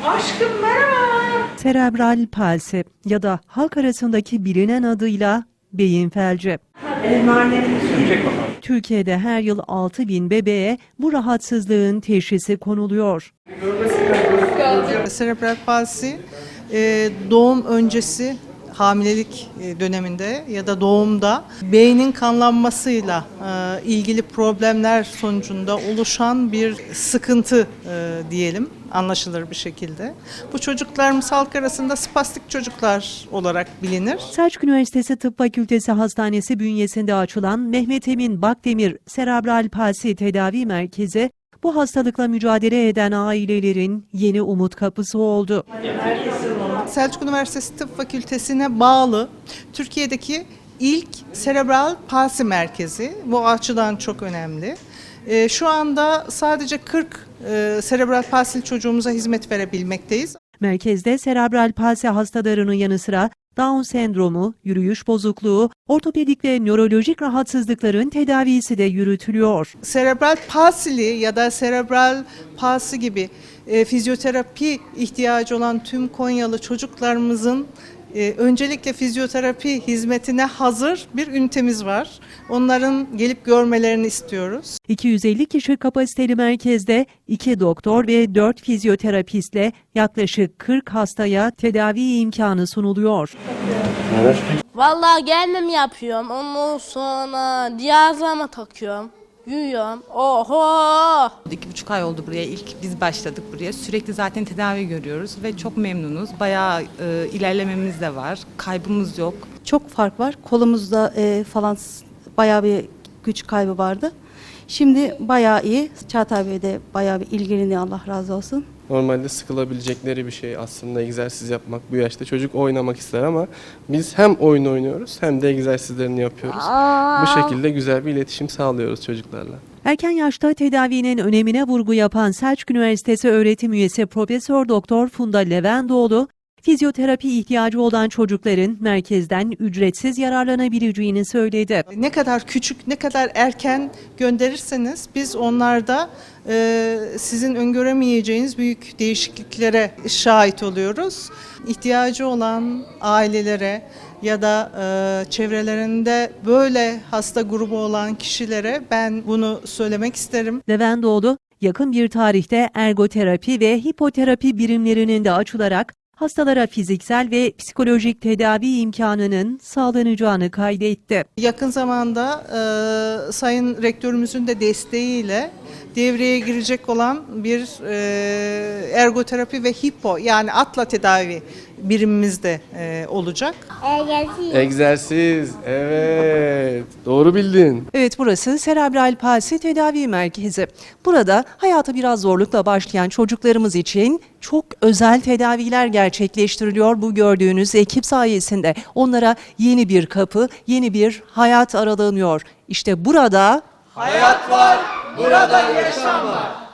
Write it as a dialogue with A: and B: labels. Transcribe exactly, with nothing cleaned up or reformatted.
A: Aşkım merhaba.
B: Serebral palsi ya da halk arasındaki bilinen adıyla beyin felci. Türkiye'de her yıl altı bin bebeğe bu rahatsızlığın teşhisi konuluyor.
C: Serebral palsi doğum öncesi hamilelik döneminde ya da doğumda beynin kanlanmasıyla ilgili problemler sonucunda oluşan bir sıkıntı diyelim, anlaşılır bir şekilde. Bu çocuklarımız halk arasında spastik çocuklar olarak bilinir.
B: Selçuk Üniversitesi Tıp Fakültesi Hastanesi bünyesinde açılan Mehmet Emin Bakdemir Serebral Palsi Tedavi Merkezi bu hastalıkla mücadele eden ailelerin yeni umut kapısı oldu.
C: Selçuk Üniversitesi Tıp Fakültesi'ne bağlı Türkiye'deki ilk serebral palsi merkezi. Bu açıdan çok önemli. Şu anda sadece kırk serebral palsili çocuğumuza hizmet verebilmekteyiz.
B: Merkezde serebral palsi hastalarının yanı sıra Down sendromu, yürüyüş bozukluğu, ortopedik ve nörolojik rahatsızlıkların tedavisi de yürütülüyor.
C: Serebral palsili ya da serebral palsi gibi e, fizyoterapi ihtiyacı olan tüm Konyalı çocuklarımızın e, öncelikle fizyoterapi hizmetine hazır bir ünitemiz var. Onların gelip görmelerini istiyoruz.
B: iki yüz elli kişi kapasiteli merkezde iki doktor ve dört fizyoterapistle yaklaşık kırk hastaya tedavi imkanı sunuluyor.
D: Vallahi kendim yapıyorum. Ondan sonra cihazlama takıyorum. Yürüyorum. Oho!
E: İki buçuk ay oldu buraya. İlk biz başladık buraya. Sürekli zaten tedavi görüyoruz ve çok memnunuz. Bayağı e, ilerlememiz de var. Kaybımız yok.
F: Çok fark var. Kolumuzda e, falan bayağı bir güç kaybı vardı. Şimdi bayağı iyi. Çağatay Bey de bayağı bir ilgileniyor, Allah razı olsun.
G: Normalde sıkılabilecekleri bir şey aslında egzersiz yapmak bu yaşta. Çocuk oynamak ister ama biz hem oyun oynuyoruz hem de egzersizlerini yapıyoruz.
D: Aa.
G: Bu şekilde güzel bir iletişim sağlıyoruz çocuklarla.
B: Erken yaşta tedavinin önemine vurgu yapan Selçuk Üniversitesi öğretim üyesi Profesör Doktor Funda Levendoğlu, fizyoterapi ihtiyacı olan çocukların merkezden ücretsiz yararlanabileceğini söyledi.
C: Ne kadar küçük, ne kadar erken gönderirseniz biz onlarda e, sizin öngöremeyeceğiniz büyük değişikliklere şahit oluyoruz. İhtiyacı olan ailelere ya da e, çevrelerinde böyle hasta grubu olan kişilere ben bunu söylemek isterim.
B: Levendoğlu, yakın bir tarihte ergoterapi ve hipoterapi birimlerinin de açılarak hastalara fiziksel ve psikolojik tedavi imkanının sağlanacağını kaydetti.
C: Yakın zamanda e, Sayın Rektörümüzün de desteğiyle devreye girecek olan bir e, ergoterapi ve hipo yani atla tedavi birimimiz de e, olacak.
G: Egzersiz, evet. Doğru bildin.
B: Evet, burası Serebral Palsi Tedavi Merkezi. Burada hayata biraz zorlukla başlayan çocuklarımız için çok özel tedaviler gerçekleştiriliyor. Bu gördüğünüz ekip sayesinde onlara yeni bir kapı, yeni bir hayat aralanıyor. İşte burada
H: hayat var, burada yaşam var.